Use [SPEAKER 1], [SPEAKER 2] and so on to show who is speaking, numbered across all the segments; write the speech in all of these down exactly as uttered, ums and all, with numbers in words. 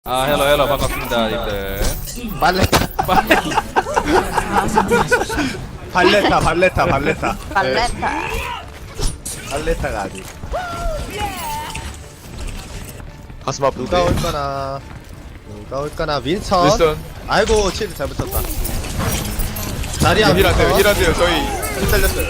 [SPEAKER 1] 아 헬로 헬로 반갑습니다 님들.
[SPEAKER 2] 발레타 발레타 발레타 발레타
[SPEAKER 3] 발레타.
[SPEAKER 2] 발레타가 아니
[SPEAKER 4] 가슴 아픈데.
[SPEAKER 2] 누가 올까나 누가 올까나 윈선
[SPEAKER 4] 윌슨
[SPEAKER 2] 아이고 치즈 잘못 쳤다 자리야
[SPEAKER 4] 힐한대요 힐한대요 저희
[SPEAKER 2] 힐 살렸어요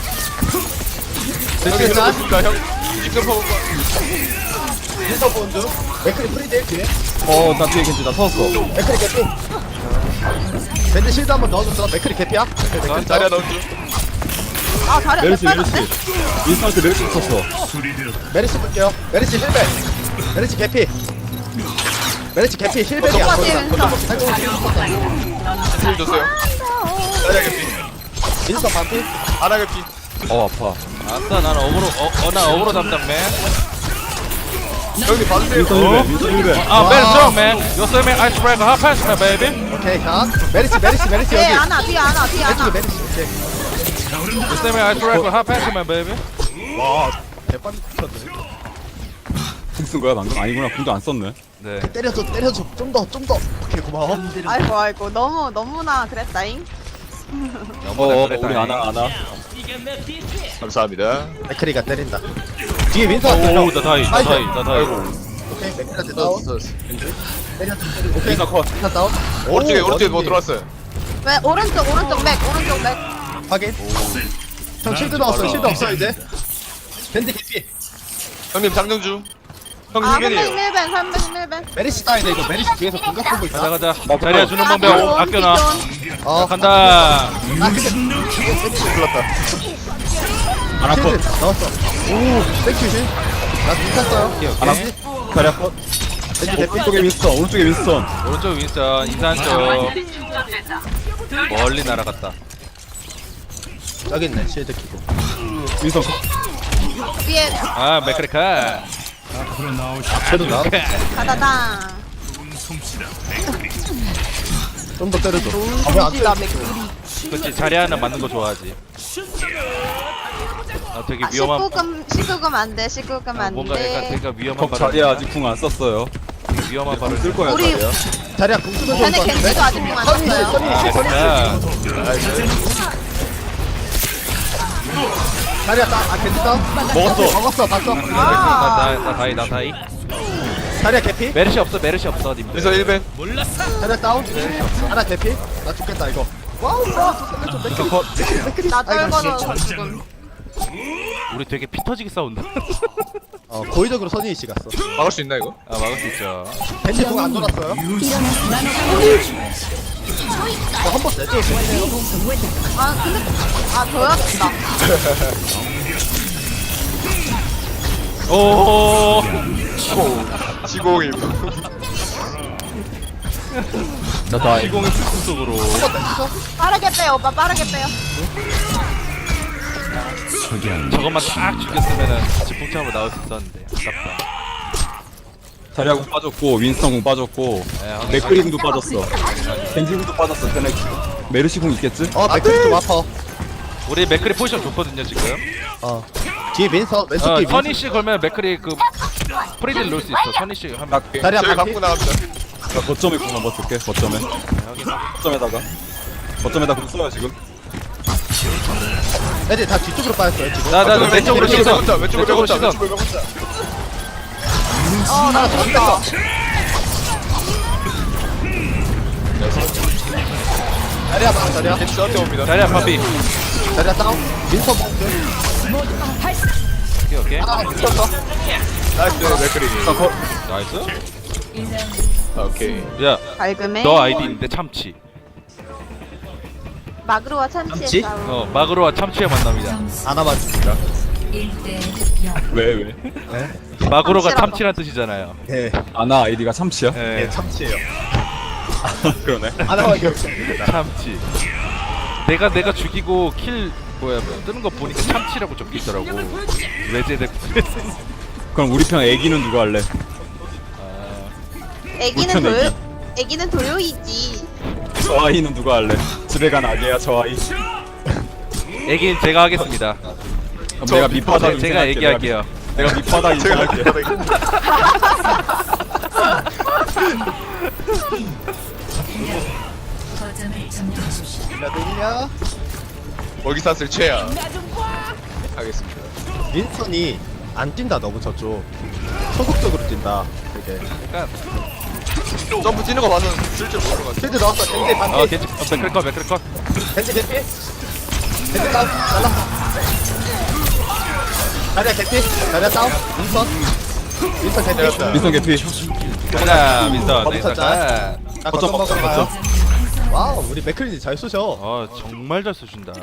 [SPEAKER 4] 형님
[SPEAKER 2] 됐겠다
[SPEAKER 4] 해보겠습니다 형 지금 퍼본 거
[SPEAKER 2] 윈선 본주 맥크리 프리딜 뒤에
[SPEAKER 5] 어, 나 뒤에 괜찮다. 서웠어.
[SPEAKER 2] 맥크리 개피 밴드 실드 한번 넣어줬어 맥크리 개피야 맥크리
[SPEAKER 4] 자리야 넣어줘
[SPEAKER 3] 아 자리 안
[SPEAKER 5] 메르시, 메르시.
[SPEAKER 3] 빠졌네.
[SPEAKER 5] 윈스턴한테 메르시 썼어.
[SPEAKER 2] 메리시 볼게요 메리시 힐백 메리시 개피 메리시 개피 힐백이야
[SPEAKER 3] 오빠 뒤에 윈선.
[SPEAKER 4] 힐 줬어요 자리야 개피
[SPEAKER 2] 윈선 반피
[SPEAKER 4] 아나 개피
[SPEAKER 5] 어, 아파.
[SPEAKER 1] 아싸 나는 어그로 어나 어그로 담당맨.
[SPEAKER 4] 형님 받으세요
[SPEAKER 5] 윈스턴 일 배, 윈스턴 일 배.
[SPEAKER 1] 아 very strong man. You see me ice breaker hot pass man baby.
[SPEAKER 2] 오케이 자 메리시 메리시 메리시
[SPEAKER 3] 뒤에
[SPEAKER 2] 여기
[SPEAKER 3] 안아 뒤에 안아 뒤에
[SPEAKER 2] 왼쪽에
[SPEAKER 3] 안아.
[SPEAKER 2] 메리시 오케이
[SPEAKER 1] You see me ice breaker hot pass man baby.
[SPEAKER 2] 와 대판 쳤네
[SPEAKER 5] 궁 쓴 거야, 방금? 아니구나. 궁도 안 썼네.
[SPEAKER 1] 네.
[SPEAKER 2] 때려줘 때려줘 좀 더 좀 더 오케이 고마워
[SPEAKER 3] 아이고 아이고 너무 너무나 그랬다잉.
[SPEAKER 5] 어, 어, 우리 아나, 아나.
[SPEAKER 4] 감사합니다
[SPEAKER 2] 맥크리가 때린다 뒤에 윈선 왔어요
[SPEAKER 1] 오나 다이 나 다이 나 다이.
[SPEAKER 2] 오케이 맥크리한테 다운
[SPEAKER 4] 넣었어
[SPEAKER 2] 때려 오케이
[SPEAKER 5] 윈스턴 컷.
[SPEAKER 2] 윈선 다운
[SPEAKER 4] 오른쪽에
[SPEAKER 2] 오,
[SPEAKER 4] 오른쪽에 뭐
[SPEAKER 2] 어디?
[SPEAKER 4] 들어왔어요
[SPEAKER 3] 왜 오른쪽 오른쪽 맥 오른쪽 맥.
[SPEAKER 2] 확인 형 실드 넣었어 실드 없어 이제 밴드 개피
[SPEAKER 4] 형님 장정주 형님
[SPEAKER 3] 아
[SPEAKER 4] 힐벤이에요
[SPEAKER 3] 삼백일 벤 삼백일 벤.
[SPEAKER 2] 메리시 따인데 이거 메리시 뒤에서 공각 보고 있다
[SPEAKER 1] 가자 가자. 자리야 주는 방법 아껴놔.
[SPEAKER 2] 어
[SPEAKER 1] 간다.
[SPEAKER 2] 아 근데 불렀다
[SPEAKER 5] 아나 컷.
[SPEAKER 2] 실드 넣었어 오 백큐신 나 미쳤어요
[SPEAKER 5] 아나
[SPEAKER 2] 메리시
[SPEAKER 5] 자리야 컷.
[SPEAKER 2] 밴드 개피
[SPEAKER 5] 오른쪽에 윈스턴, 오른쪽에 윈스턴.
[SPEAKER 1] 오른쪽 윈스턴 이산 쪽. 멀리 날아갔다.
[SPEAKER 2] 여기 있네 실드 키고
[SPEAKER 5] 윈스턴 컷.
[SPEAKER 3] 위에
[SPEAKER 1] 아 맥크리카.
[SPEAKER 2] 쟤도 나
[SPEAKER 3] 가다당.
[SPEAKER 2] 좀 더 때려줘 아왜안 때려
[SPEAKER 3] 나 맥.
[SPEAKER 1] 그렇지 자리 하나 맞는 거 좋아하지. 아 되게
[SPEAKER 3] 아
[SPEAKER 1] 위험한.
[SPEAKER 3] 십구금 십구금 안돼 십구금
[SPEAKER 1] 아, 뭔가 약간
[SPEAKER 3] 안돼.
[SPEAKER 1] 되게 위험한
[SPEAKER 5] 덕
[SPEAKER 1] 발언.
[SPEAKER 5] 자리야 아직 궁 안 썼어요.
[SPEAKER 1] 위험한
[SPEAKER 5] 궁
[SPEAKER 1] 발언.
[SPEAKER 5] 쓸 거야,
[SPEAKER 3] 우리-
[SPEAKER 5] 자리야.
[SPEAKER 2] 자리야 공 쓰면 좋을
[SPEAKER 3] 쟤네
[SPEAKER 2] 것 같은데
[SPEAKER 3] 겐지도 아직 안
[SPEAKER 2] 선이시
[SPEAKER 3] 썼어요.
[SPEAKER 2] 선이시
[SPEAKER 1] 아
[SPEAKER 2] 선이시
[SPEAKER 1] 됐다.
[SPEAKER 2] 자리야 따아 괜찮다
[SPEAKER 5] 먹었어.
[SPEAKER 2] 먹었어 봤어
[SPEAKER 3] 아.
[SPEAKER 1] 나나 다이 나 다이.
[SPEAKER 2] 자리야 개피
[SPEAKER 1] 메르시 없어 메르시 없어 님들.
[SPEAKER 4] 윌슨 힐벤
[SPEAKER 2] 자리야 다운 하나 개피 나 죽겠다 이거 와우 와
[SPEAKER 5] 윈스턴 컷.
[SPEAKER 3] 나 떨궈서 지금.
[SPEAKER 1] 우리 되게 피 터지게 싸운다.
[SPEAKER 2] 어 고의적으로 선이시 갔어
[SPEAKER 4] 막을 수 있나 이거?
[SPEAKER 1] 아 막을 수 있죠.
[SPEAKER 2] 벤지 공안 돌았어요 어한번 내줘
[SPEAKER 3] 아 근데 아 져야겠다.
[SPEAKER 1] 오.
[SPEAKER 4] 지공이
[SPEAKER 5] 나 다이.
[SPEAKER 1] 이공의 풀 속으로.
[SPEAKER 3] 빠르게 빼요 오빠 빠르게 빼요.
[SPEAKER 1] 저것만 딱 죽였으면은 지풍참으로 나올 수 있었는데 아깝다.
[SPEAKER 5] 자리야 궁 빠졌고, 윈스턴 궁 빠졌고,
[SPEAKER 1] 네, 확인.
[SPEAKER 5] 맥크리 궁도 빠졌어. 겐지 궁도 빠졌어. 쟤네 메르시 궁 있겠지?
[SPEAKER 2] 어 맥크리 좀 아파
[SPEAKER 1] 우리 맥크리 포지션 좋거든요 지금.
[SPEAKER 2] 어 뒤에 민서 왼쪽
[SPEAKER 1] 어
[SPEAKER 2] 뒤에 민서
[SPEAKER 1] 선희 씨 걸면 맥크리 그 프리딜 넣을 수 있어. 선희 씨 하면.
[SPEAKER 2] 자리야
[SPEAKER 4] 저희
[SPEAKER 2] 반피
[SPEAKER 4] 갖고 나갑니다
[SPEAKER 5] 나 거점에 궁 한번 쓸게. 거점에. 거점에다가. 거점에다 궁 써요 지금.
[SPEAKER 2] 애들 다 뒤쪽으로 빠졌어요 지금
[SPEAKER 1] 나나 나, 왼쪽으로
[SPEAKER 4] 왼쪽으로
[SPEAKER 1] 시선.
[SPEAKER 4] 혼자, 왼쪽으로
[SPEAKER 1] 왼쪽으로
[SPEAKER 4] 혼자,
[SPEAKER 1] 시선.
[SPEAKER 4] 왼쪽으로 혼자.
[SPEAKER 3] 어나 죽다.
[SPEAKER 2] 자리야 봐 자리야
[SPEAKER 4] 겐지 저한테 옵니다
[SPEAKER 1] 자리야 파비.
[SPEAKER 2] 자리야 다운 민서 봉주
[SPEAKER 1] 오케이 오케이.
[SPEAKER 2] 하나 붙였어
[SPEAKER 4] 나이스 맥크리
[SPEAKER 1] 나이스.
[SPEAKER 4] 아, 오케이
[SPEAKER 1] 야
[SPEAKER 3] 밝음에.
[SPEAKER 1] 너 아이디인데 참치.
[SPEAKER 3] 마그로와 참치의
[SPEAKER 2] 참치?
[SPEAKER 3] 싸움.
[SPEAKER 1] 어 마그로와 참치의 만남이다.
[SPEAKER 2] 하나 맞습니다
[SPEAKER 5] 왜 왜?
[SPEAKER 1] 마그로가
[SPEAKER 3] 참치라고.
[SPEAKER 1] 참치란 뜻이잖아요.
[SPEAKER 2] 예
[SPEAKER 5] 아나 아이디가 참치야?
[SPEAKER 1] 예.
[SPEAKER 2] 예, 참치예요
[SPEAKER 5] 그러네.
[SPEAKER 2] 하나밖에 없습니다
[SPEAKER 1] 참치. 내가 내가 죽이고 킬 뭐야 뭐 뜨는 거 보니까 참치라고 적혀 있더라고. 외제대.
[SPEAKER 5] 그럼 우리 편 애기는 누가 할래?
[SPEAKER 3] 애기는
[SPEAKER 5] 물편
[SPEAKER 3] 도요.
[SPEAKER 5] 애기.
[SPEAKER 3] 애기는 도요이지.
[SPEAKER 5] 저 아이는 누가 할래? 집에 간 아기야 저 아이.
[SPEAKER 1] 애기는 제가 하겠습니다.
[SPEAKER 5] 그럼 내가 밑바닥
[SPEAKER 1] 제가 얘기할게요.
[SPEAKER 5] 내가 밑바닥
[SPEAKER 4] 제가
[SPEAKER 5] 인정할게.
[SPEAKER 4] 할게요
[SPEAKER 6] 거점을 점령하십시오.
[SPEAKER 2] 야
[SPEAKER 4] 먹이사슬 최야. 하겠습니다.
[SPEAKER 2] 윈스턴이 안 뛴다 너무 저쪽 소극적으로 뛴다 되게
[SPEAKER 1] 약간
[SPEAKER 4] 점프 뛰는 거 봐서 쓸 줄 모르는 것 같아.
[SPEAKER 2] 쉴드 넣었어 겐지
[SPEAKER 1] 어
[SPEAKER 2] 반피
[SPEAKER 1] 겐지 어, 맥클컷 맥클컷
[SPEAKER 2] 겐지 개피 겐지 다운 잘랐어 자리야 개피 자리야 다운 윈스턴 윈스턴 개피
[SPEAKER 4] 때렸다.
[SPEAKER 5] 민선 개피.
[SPEAKER 1] 가자 민선
[SPEAKER 2] 거부터
[SPEAKER 1] 나이스
[SPEAKER 2] 자. 자 거점
[SPEAKER 5] 거점,
[SPEAKER 2] 먹으러 가요
[SPEAKER 5] 거점.
[SPEAKER 2] 와우 우리 맥클린이 잘 쏘셔
[SPEAKER 1] 어 정말 잘 쏘신다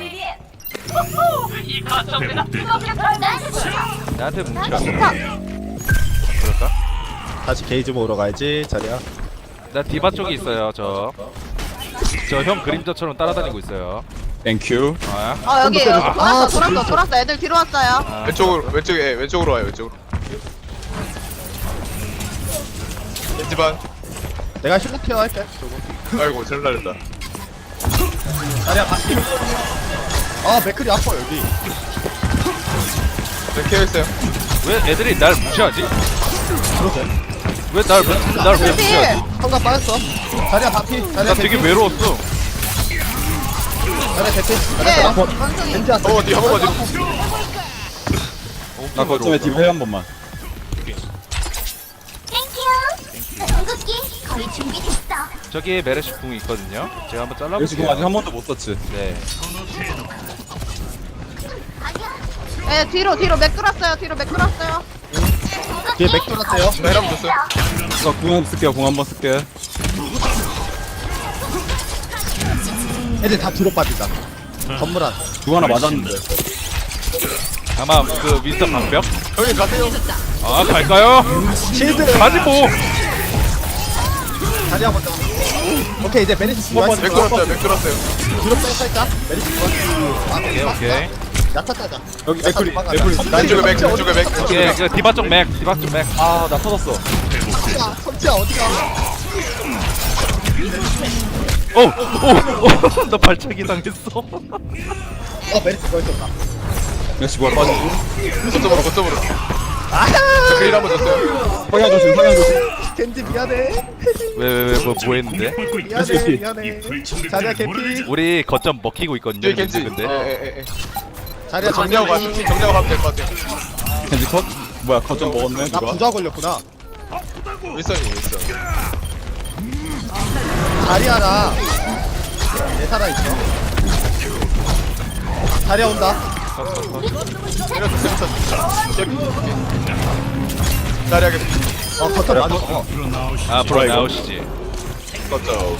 [SPEAKER 1] 나한테 뭉치라 그럴까?
[SPEAKER 2] 다시 게이지 모으러 가야지 자리야
[SPEAKER 1] 나 디바 쪽에 있어요 저 저 형 그림자처럼 따라다니고 있어요
[SPEAKER 5] 땡큐.
[SPEAKER 1] 아
[SPEAKER 3] 어 여기
[SPEAKER 2] 때려줘.
[SPEAKER 3] 돌았어
[SPEAKER 2] 아,
[SPEAKER 3] 돌았어
[SPEAKER 2] 진짜.
[SPEAKER 3] 돌았어 애들 뒤로 왔어요.
[SPEAKER 1] 아,
[SPEAKER 4] 왼쪽으로 왼쪽에 예, 왼쪽으로 와요 왼쪽으로. 겐지반.
[SPEAKER 2] 내가 힐러 케어 할게 저거
[SPEAKER 4] 아이고 잘 날렸다.
[SPEAKER 2] 자리야 반피 아 맥클이 아파 여기
[SPEAKER 4] 네, 케어했어요.
[SPEAKER 1] 왜 애들이 날 무시하지?
[SPEAKER 2] 그러게
[SPEAKER 1] 왜날날왜 무시하지?
[SPEAKER 2] 성감 빠졌어 자리야 반피
[SPEAKER 1] 나
[SPEAKER 2] 자리야
[SPEAKER 1] 되게
[SPEAKER 2] 개피
[SPEAKER 1] 외로웠어
[SPEAKER 2] 자리야 개피
[SPEAKER 3] 네.
[SPEAKER 2] 자리야 다운 겐지 왔어
[SPEAKER 4] 어, 뒤 한 번만 뒤로.
[SPEAKER 5] 나 거점에 디바 해한 번만.
[SPEAKER 6] 궁극기 거의 준비됐어.
[SPEAKER 1] 저기 메르시 궁이 있거든요 제가 한번
[SPEAKER 5] 여기 지금 아직
[SPEAKER 1] 잘라볼게요
[SPEAKER 5] 한 번도 못 썼지.
[SPEAKER 1] 네
[SPEAKER 3] 네 뒤로 뒤로 맥 끌었어요. 뒤로 맥 끌었어요.
[SPEAKER 2] 뒤에 맥 돌았어요
[SPEAKER 4] 나 헬람 줬어요.
[SPEAKER 5] 저 궁 한번 쓸게요. 궁 한번 쓸게.
[SPEAKER 2] 애들 다 뒤로 빠진다 건물 안
[SPEAKER 5] 궁 하나 맞았는데.
[SPEAKER 1] 아마 그 윈스턴 방벽?
[SPEAKER 4] 형님 가세요.
[SPEAKER 1] 아 갈까요?
[SPEAKER 2] 실드
[SPEAKER 1] 가지 뭐
[SPEAKER 2] 자리야 먼저 오케이 이제 메리시
[SPEAKER 4] 맥
[SPEAKER 2] 좋아했어
[SPEAKER 4] 돌았어요 맥 돌았어요.
[SPEAKER 2] 뒤로 빼 살짝 메리시 좋아
[SPEAKER 1] 오케이 오케이
[SPEAKER 2] 야타 따자
[SPEAKER 5] 여기 맥클이
[SPEAKER 2] 도망가자.
[SPEAKER 5] 맥클이.
[SPEAKER 4] 왼쪽에 맥 왼쪽에 맥 왼쪽에
[SPEAKER 1] 예,
[SPEAKER 4] 맥.
[SPEAKER 1] 그 디바 쪽 맥, 디바 쪽 맥.
[SPEAKER 5] 아, 나 터졌어.
[SPEAKER 2] 성치야 성치야 어디가
[SPEAKER 1] 오, 오, 오, 나 발차기 당했어.
[SPEAKER 2] 어 메리시 거기 있었다
[SPEAKER 5] 역시 뭐야 빠지고.
[SPEAKER 4] 거점으로 거점으로.
[SPEAKER 2] 아하
[SPEAKER 4] 맥크리 한번 줬어요.
[SPEAKER 5] 성향 조심, 성향 조심.
[SPEAKER 2] 겐지 미안해
[SPEAKER 1] 왜, 왜, 왜, 뭐, 뭐 했는데?
[SPEAKER 2] 미안해 미안해 자리야 개피
[SPEAKER 1] 우리 거점 먹히고 있거든요.
[SPEAKER 4] 뒤에 겐지.
[SPEAKER 1] 근데.
[SPEAKER 4] 예예예.
[SPEAKER 2] 자리야
[SPEAKER 4] 정리하고 가
[SPEAKER 2] 정리
[SPEAKER 4] 정리하고 가면 될 것 같아요.
[SPEAKER 5] 겐지 컷? 뭐야, 거점 먹었네,
[SPEAKER 2] 나
[SPEAKER 5] 누가?
[SPEAKER 2] 부자 걸렸구나
[SPEAKER 4] 윌선이 윌선.
[SPEAKER 2] 자리야랑 내 살아있어 자리야 온다
[SPEAKER 4] 이렇게 윌선. 자리하게
[SPEAKER 2] 어 버튼 맞아 어.
[SPEAKER 1] 아, 앞으로 나오시지.
[SPEAKER 4] 거점.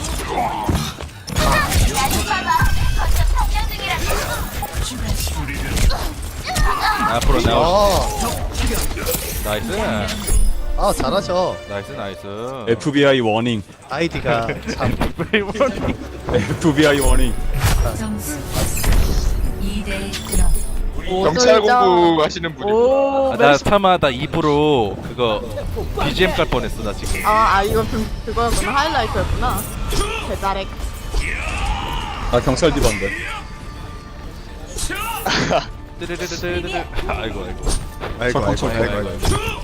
[SPEAKER 1] 앞으로 나오시지.
[SPEAKER 2] 어.
[SPEAKER 1] 나이스.
[SPEAKER 2] 아 잘하셔
[SPEAKER 1] 나이스, 나이스.
[SPEAKER 5] 에프비아이 워닝.
[SPEAKER 2] 아이디가 참
[SPEAKER 5] 에프비아이 워닝.
[SPEAKER 6] 점수 이 대 영.
[SPEAKER 4] 경찰 공부 하시는 분이.
[SPEAKER 3] 오.
[SPEAKER 1] 아, 나 스타마 나 입으로 그거 비지엠 깔 뻔했어, 나 지금.
[SPEAKER 3] 아, 아 이거 그, 그거였구나. 하이라이트였구나. 대자렉.
[SPEAKER 5] 나 경찰 디바인데.
[SPEAKER 1] 뜨르르르르르. 아이고, 아이고.
[SPEAKER 2] 아이고 아이고
[SPEAKER 5] 척,
[SPEAKER 2] 아이고
[SPEAKER 5] 척,
[SPEAKER 2] 아이고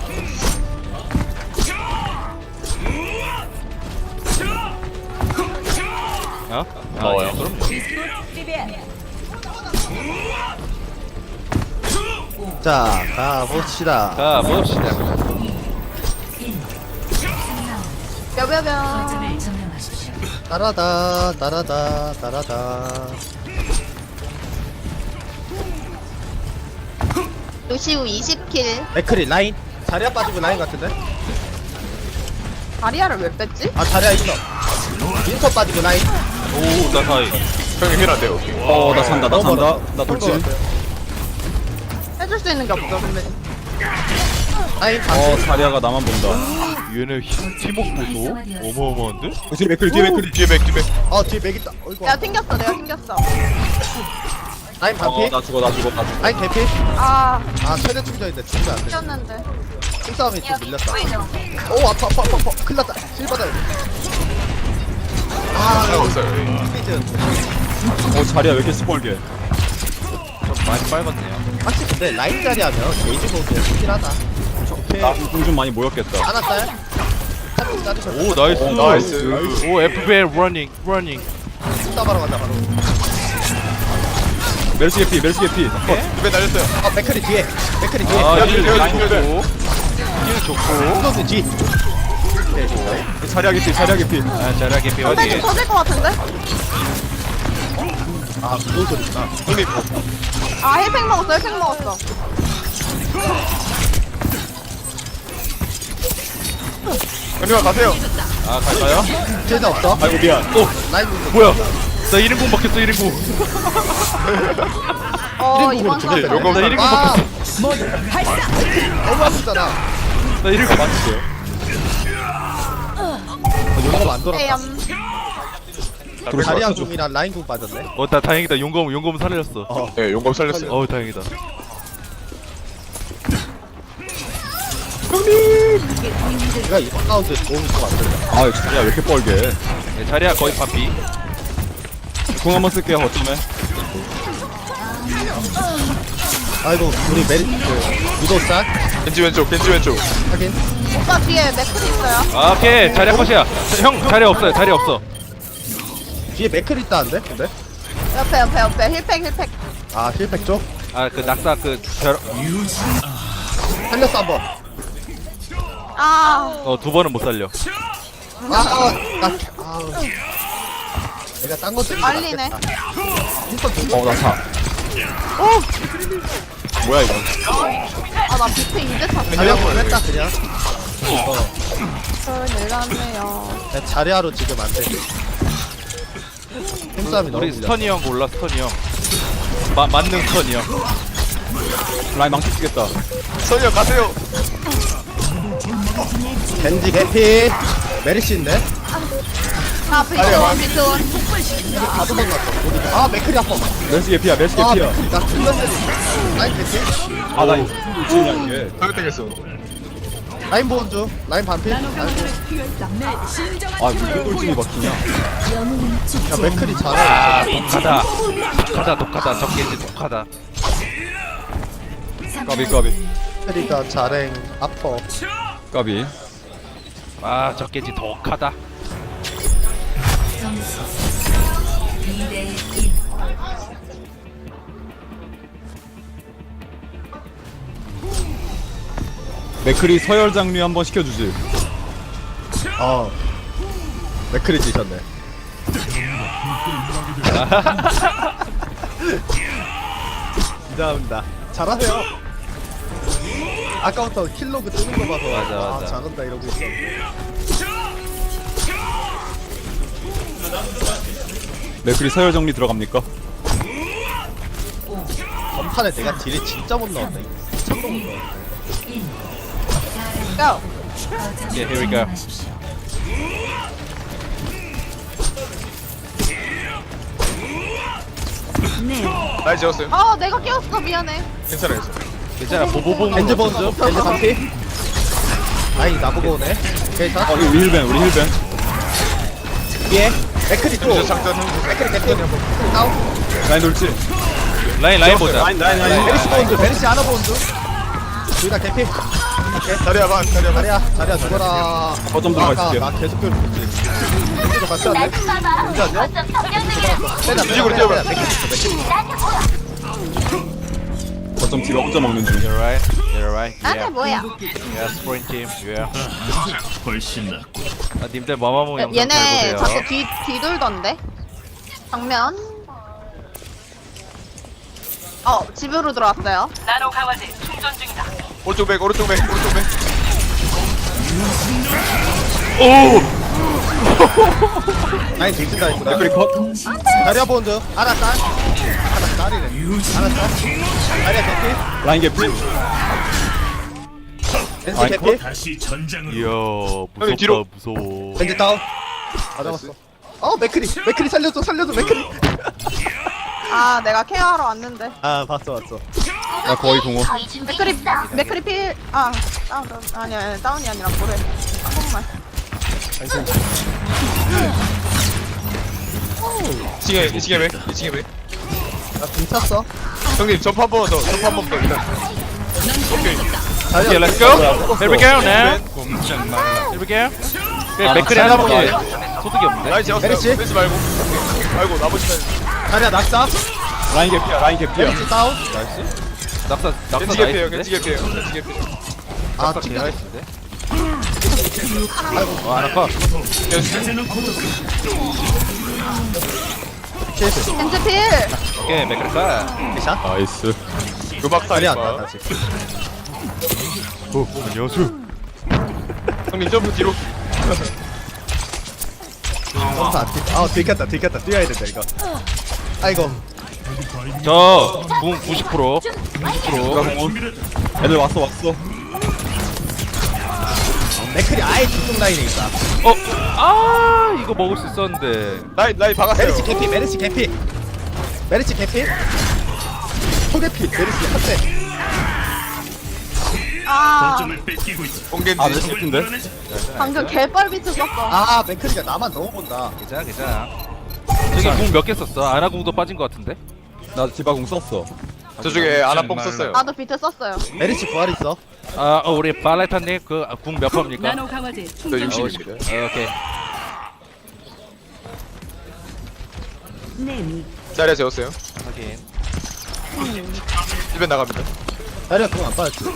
[SPEAKER 1] 어? 아,
[SPEAKER 4] 나와요.
[SPEAKER 1] 예, 그럼요.
[SPEAKER 2] 자 가봅시다
[SPEAKER 1] 자, 봅시다.
[SPEAKER 3] 뼈뼈뼈.
[SPEAKER 6] 거점을 점령하십시오.
[SPEAKER 2] 따라다 따라다 따라다
[SPEAKER 3] 루시우 이십 킬.
[SPEAKER 2] 맥크리 라인 자리야 빠지고 라인 같은데?
[SPEAKER 3] 다리아를 왜 뺐지?
[SPEAKER 2] 아 자리야 있어 인터 빠지고 라인
[SPEAKER 1] 오, 나 사이.
[SPEAKER 4] 형님 힐안 돼요.
[SPEAKER 5] 어, 나 산다, 나
[SPEAKER 2] 너무
[SPEAKER 5] 산다.
[SPEAKER 2] 멀어.
[SPEAKER 5] 나 돌진.
[SPEAKER 3] 해줄 수 있는 게 없어, 선배님.
[SPEAKER 2] 라인
[SPEAKER 5] 어,
[SPEAKER 2] 반피
[SPEAKER 5] 자리아가 나만 본다.
[SPEAKER 1] 얘네 힘- 팀워크 보소? 어마어마한데?
[SPEAKER 5] 뒤에 맥클이, 뒤에 맥클이.
[SPEAKER 4] 뒤에 맥 뒤에 맥.
[SPEAKER 2] 어 뒤에 맥 있다 어이구
[SPEAKER 3] 내가 튕겼어, 내가 튕겼어.
[SPEAKER 2] 라인
[SPEAKER 5] 어,
[SPEAKER 2] 반피
[SPEAKER 5] 나 죽어, 나 죽어, 나 죽어.
[SPEAKER 2] 라인 개피
[SPEAKER 3] 아,
[SPEAKER 2] 아 최대 충전인데 죽으면 안돼
[SPEAKER 3] 튕겼는데.
[SPEAKER 2] 힘싸움이 좀 밀렸다 오 아파 아파 아파 아파 큰일 났다 실바다
[SPEAKER 4] 아, 없어요.
[SPEAKER 2] 스피드
[SPEAKER 5] 어, 자리아 왜 이렇게 시뻘게?
[SPEAKER 1] 좀 많이 빨갛네요.
[SPEAKER 2] 확실히 근데 라인 자리 하면 게이지 보드 좋긴 하다 오케이
[SPEAKER 5] 나 공 좀 많이 모였겠다.
[SPEAKER 2] 하나 딸 한쪽 자르셨어.
[SPEAKER 1] 오 나이스.
[SPEAKER 4] 나이스.
[SPEAKER 1] 오 에프비엘 러닝 러닝.
[SPEAKER 2] 따바로 간다 바로.
[SPEAKER 5] 멜시 개피 멜시 개피
[SPEAKER 4] 집에 날렸어요.
[SPEAKER 2] 아 맥크리 뒤에. 맥크리 뒤에.
[SPEAKER 1] 아,
[SPEAKER 4] 여기,
[SPEAKER 1] 힐
[SPEAKER 4] 여기,
[SPEAKER 1] 라인
[SPEAKER 4] 여기.
[SPEAKER 1] 좋고. 힐 좋고.
[SPEAKER 2] 소스 뒤.
[SPEAKER 5] 자리야 개피 자리야 개피
[SPEAKER 1] 아, 잘하게
[SPEAKER 3] 근데
[SPEAKER 1] 배워지.
[SPEAKER 3] 좀 터질 것 같은데?
[SPEAKER 2] 아 무슨 소리구나.
[SPEAKER 4] 형님
[SPEAKER 3] 아 힐팩 먹었어 힐팩 먹었어.
[SPEAKER 4] 형님아 가세요.
[SPEAKER 1] 아, 갈까요?
[SPEAKER 2] 실드 없어.
[SPEAKER 5] 아이고 미안
[SPEAKER 1] 오,
[SPEAKER 2] 라인 부분.
[SPEAKER 1] 뭐야? 나 일 인공 박혔어, 일 인공.
[SPEAKER 3] 어
[SPEAKER 2] 이름
[SPEAKER 3] 이번
[SPEAKER 2] 부분
[SPEAKER 3] 건
[SPEAKER 4] 요거
[SPEAKER 1] 나 일 인공
[SPEAKER 2] 아
[SPEAKER 1] 박혔어.
[SPEAKER 2] 너무 아프잖아.
[SPEAKER 1] 나 일 인공
[SPEAKER 5] 맞을게요
[SPEAKER 2] 용검 안 돌았다.
[SPEAKER 3] 에염.
[SPEAKER 2] 자리야 궁이랑 라인 궁 빠졌네.
[SPEAKER 1] 어, 나 다행이다. 용검, 용검 살렸어.
[SPEAKER 2] 어.
[SPEAKER 4] 네 용검 살렸어요.
[SPEAKER 1] 어우, 다행이다.
[SPEAKER 2] 내가 이번 라운드 도움 좀 만들자.
[SPEAKER 5] 아 자리야 왜 이렇게 뻘게
[SPEAKER 1] 네, 자리야 거의 반피.
[SPEAKER 5] 궁 한번 쓸게요 거점에
[SPEAKER 2] 아이고 우리 메리 그 유도살
[SPEAKER 4] 겐지 왼쪽 겐지 왼쪽.
[SPEAKER 2] 확인.
[SPEAKER 3] 오빠 뒤에 맥클이 있어요.
[SPEAKER 1] 아, 오케이. 자리야 컷이야. 자, 형, 자리 없어요. 자리 없어.
[SPEAKER 2] 뒤에 맥클 있다는데? 근데?
[SPEAKER 3] 옆에 옆에 옆에 힐팩 힐팩.
[SPEAKER 2] 아 힐팩 쪽?
[SPEAKER 1] 아, 그 낙사 그 벼,
[SPEAKER 2] 살렸어 한번.
[SPEAKER 3] 아
[SPEAKER 1] 어, 두 번은 못 살려.
[SPEAKER 2] 아, 아, 나, 아, 내가 딴거 때문에
[SPEAKER 3] 말리네.
[SPEAKER 5] 어나차
[SPEAKER 3] 오.
[SPEAKER 5] 뭐야 이거
[SPEAKER 3] 아나 비트 이제 찼어.
[SPEAKER 2] 자리하고 했다 그냥.
[SPEAKER 3] 저 내렸네요.
[SPEAKER 2] 내 자리하러 지금 안 돼. 힘싸움이 너무
[SPEAKER 1] 우리
[SPEAKER 2] 밀려.
[SPEAKER 1] 스턴이 형 몰라, 스턴이 형. 마, 맞는 스턴이 형.
[SPEAKER 5] 라인 망치 쓰겠다
[SPEAKER 4] 선이야 가세요.
[SPEAKER 2] 겐지 개피. 메리시 있네.
[SPEAKER 3] 아 비트원 비트원.
[SPEAKER 2] 다 도망갔어. 어디가? 아 맥클이 아파.
[SPEAKER 5] 멜시 개피야 멜시
[SPEAKER 2] 아
[SPEAKER 5] 개피야
[SPEAKER 2] 맥클이 나 죽는 데리. 라인 개피.
[SPEAKER 5] 아나 이거 이게
[SPEAKER 4] 타겟팅했어.
[SPEAKER 2] 라인 보온 중. 라인 반피. 라인 보온.
[SPEAKER 5] 아 무슨 돌진이 막히냐
[SPEAKER 2] 야 맥클이 잘해.
[SPEAKER 1] 아, 독하다. 독하다, 독하다. 적게지 독하다.
[SPEAKER 5] 까비 까비
[SPEAKER 2] 맥클이가 잘해. 아파.
[SPEAKER 5] 까비
[SPEAKER 1] 아, 적게지 독하다.
[SPEAKER 6] 점수 이 대 일.
[SPEAKER 5] 맥크리 서열 장류 한번 시켜주지
[SPEAKER 2] 어. 맥클이 지셨네. 감사합니다. 잘하세요. 아까부터 킬로그 뜨는 거 봐서
[SPEAKER 1] 맞아,
[SPEAKER 2] 아,
[SPEAKER 1] 맞아.
[SPEAKER 2] 잘한다 이러고 있었는데.
[SPEAKER 5] 맥크리 서열 정리 들어갑니까?
[SPEAKER 2] 전판에 내가 딜이 진짜 못 넣었네. 참도 못 넣었네.
[SPEAKER 3] 고.
[SPEAKER 1] Yeah, here we go.
[SPEAKER 6] 하십시오.
[SPEAKER 4] 라인 지웠어요.
[SPEAKER 3] 아 내가 깨웠어 미안해.
[SPEAKER 4] 괜찮아요.
[SPEAKER 1] 괜찮아, 보보봉.
[SPEAKER 2] 겐지 보는 중. 겐지 반피. 아이 나보고 오네. 오케이 자.
[SPEAKER 5] 어 우리 힐벤 우리 힐벤
[SPEAKER 2] 위에 맥클이 또.
[SPEAKER 4] 저 장전.
[SPEAKER 2] 맥클이 개피. 맥클이 다운.
[SPEAKER 5] 라인 돌지
[SPEAKER 1] 라인, 라인 보자.
[SPEAKER 5] 라인 라인 라인
[SPEAKER 2] 메리시 보는 중. 메리시 하나 보는 중. 둘 다 개피.
[SPEAKER 4] 자리야 반 자리야 반.
[SPEAKER 2] 자리야 자리야 죽어라.
[SPEAKER 5] 거점 들어가
[SPEAKER 2] 아까
[SPEAKER 5] 있을게
[SPEAKER 2] 나 계속 괴롭혔지. 겐지도 같이 왔네. 겐지 안녕? 빼자 빼자
[SPEAKER 4] 이쪽으로
[SPEAKER 2] 빼자
[SPEAKER 4] 뛰어봐.
[SPEAKER 2] 빼자. 맥클 있어 맥클 있어.
[SPEAKER 5] 거점 뒤로 혼자 먹는 중
[SPEAKER 1] You're right. You're right.
[SPEAKER 3] 나한테
[SPEAKER 1] Yeah.
[SPEAKER 3] 뭐야?
[SPEAKER 1] Yeah, sprint team. Yeah. 아, 님들 마마무 영상 잘
[SPEAKER 3] 얘네
[SPEAKER 1] 보세요.
[SPEAKER 3] 자꾸 뒤 뒤돌던데. 정면. 어 집으로 들어왔어요.
[SPEAKER 4] 오른쪽 백 오른쪽 백 오른쪽 백.
[SPEAKER 2] 라인 뒤진다 했구나.
[SPEAKER 5] 맥크리 컷
[SPEAKER 2] 자리야 보는 중. 하나 짤. 하나 짤이래. 하나 짤. 자리야 개피.
[SPEAKER 5] 라인 개피
[SPEAKER 2] 겐지
[SPEAKER 5] 아이,
[SPEAKER 2] 개피.
[SPEAKER 1] 이야, 무섭다,
[SPEAKER 4] 뒤로.
[SPEAKER 1] 무서워.
[SPEAKER 2] 겐지 다운. 다 잡았어. 어 맥크리. 맥크리 살려줘 살려줘 맥크리.
[SPEAKER 3] 아 내가 케어하러 왔는데.
[SPEAKER 2] 아 봤어 봤어.
[SPEAKER 5] 나 거의 공호
[SPEAKER 3] 맥크리 맥크리 필. 아 다운 다운 아니 아니 다운이 아니라 뭐래. 한 번만.
[SPEAKER 4] 이 층에 이 층에 백 이 층에 백.
[SPEAKER 2] 나 괜찮어.
[SPEAKER 4] 형님 점프 한 번 더. 점프 한 번 더. 일단. 오케이.
[SPEAKER 1] Okay, let's go. Here we go now. Here we go. 그래
[SPEAKER 5] 아,
[SPEAKER 1] 맥크리
[SPEAKER 2] 잘
[SPEAKER 1] 하는 게
[SPEAKER 2] 잡았다.
[SPEAKER 1] 소득이 없네.
[SPEAKER 4] 라인 재웠어요.
[SPEAKER 2] 메르시?
[SPEAKER 4] 메르시 말고. 오케이. 말고 나머지는
[SPEAKER 2] 자리야 낙사.
[SPEAKER 5] 라인 개피야 라인 개피야
[SPEAKER 2] 메르시 다운.
[SPEAKER 1] 낙사 낙사
[SPEAKER 4] 겐지 개피에요.
[SPEAKER 1] 나이스인데?
[SPEAKER 4] 겐지 개피에요. 겐지 개피.
[SPEAKER 2] 아
[SPEAKER 1] 낙사 개
[SPEAKER 2] 튕겨.
[SPEAKER 1] 나이스인데?
[SPEAKER 2] 아이고
[SPEAKER 1] 와 아나카
[SPEAKER 2] 킬스.
[SPEAKER 3] 겐지 필.
[SPEAKER 1] 오케이 맥크리카.
[SPEAKER 2] 샷.
[SPEAKER 5] 나이스
[SPEAKER 4] 루박
[SPEAKER 2] 자리 안
[SPEAKER 4] 타임.
[SPEAKER 2] 나 아직.
[SPEAKER 1] 오 안녕하세요.
[SPEAKER 4] 형님 점프 뒤로.
[SPEAKER 2] 점프 안 뛰. 아 들켰다 들켰다 뛰어야 된다 이거. 아이고.
[SPEAKER 1] 저궁 구십 퍼센트 구십 퍼센트
[SPEAKER 5] 애들 왔어 왔어
[SPEAKER 2] 맥클이 아예 뒤쪽 라인에 있다.
[SPEAKER 1] 어? 아 이거 먹을 수 있었는데
[SPEAKER 4] 라인 라인 박았어요.
[SPEAKER 2] 메르시 개피 메르시 개피. 메르시 개피. 초개피 메르시 한 대.
[SPEAKER 3] 아
[SPEAKER 4] 공겐지.
[SPEAKER 5] 아 메시 개피인데?
[SPEAKER 3] 방금 개뻘비트 썼어.
[SPEAKER 2] 아 맥클이가 나만 너무 본다.
[SPEAKER 1] 괜찮아 괜찮아. 저기 궁 몇 개 썼어? 아나 궁도 빠진 것 같은데?
[SPEAKER 5] 나 디바공 썼어
[SPEAKER 4] 저쪽에 아나뽕 썼어요.
[SPEAKER 3] 나도 비트 썼어요.
[SPEAKER 2] 메르시 부활 있어.
[SPEAKER 1] 아 어, 우리 발레타님 그 궁 몇 퍼입니까?
[SPEAKER 7] 나노 강화제
[SPEAKER 4] 저
[SPEAKER 7] 충전
[SPEAKER 4] 육십입니다.
[SPEAKER 1] 어, 오케이.
[SPEAKER 7] 네미
[SPEAKER 4] 자리에 재웠어요.
[SPEAKER 1] 확인.
[SPEAKER 4] 집에 나갑니다.
[SPEAKER 2] 자리야 그거 안 빠졌지.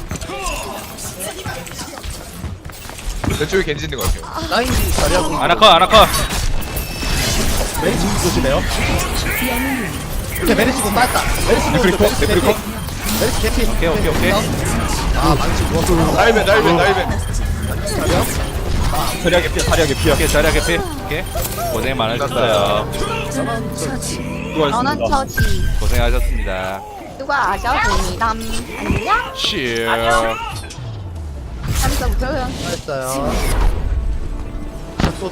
[SPEAKER 4] 왼쪽에 겐지 있는 것 같아요.
[SPEAKER 2] 라인 자리야 공.
[SPEAKER 1] 아나카 아나카.
[SPEAKER 2] 메르시 공 조심해요. 오케이 메르시 공 빠졌다. 메르시 공
[SPEAKER 5] 맥크리 컷,
[SPEAKER 2] 메르시
[SPEAKER 5] 맥크리
[SPEAKER 2] 개피. 메르시 개피.
[SPEAKER 1] 오케이 오케이 오케이.
[SPEAKER 2] 아 망치 누웠어.
[SPEAKER 4] 날벤 날벤 날벤.
[SPEAKER 2] 자리야.
[SPEAKER 5] 자리야 개피야 자리야 개피야
[SPEAKER 1] 오케이 자리야 개피. 오케이. 고생 많으셨어요.
[SPEAKER 3] 너는
[SPEAKER 5] 수고하셨습니다
[SPEAKER 3] 처지.
[SPEAKER 1] 고생하셨습니다.
[SPEAKER 3] 수고하셨습니다. 안녕.
[SPEAKER 1] 치.
[SPEAKER 3] 한번부터
[SPEAKER 2] 잘했어요. 또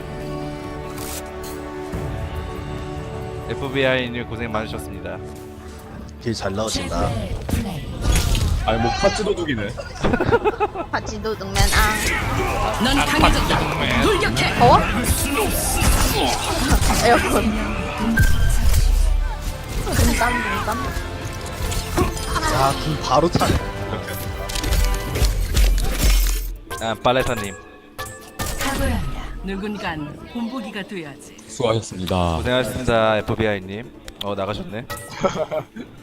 [SPEAKER 1] 에프비아이님 고생 많으셨습니다.
[SPEAKER 2] 딜잘 넣으신다.
[SPEAKER 5] 아니 뭐 파츠 도둑이네
[SPEAKER 3] 같이 도둑맨 아.
[SPEAKER 7] 넌 강해졌다 돌격해
[SPEAKER 3] 더워? 에어컨. 눈땀 눈땀.
[SPEAKER 2] 야, 궁 바로 차네.
[SPEAKER 1] 아 발레타님
[SPEAKER 7] 각오한다 누군간 본보기가 돼야지
[SPEAKER 5] 수고하셨습니다
[SPEAKER 1] 고생하셨습니다. 에프비아이님. 어 나가셨네.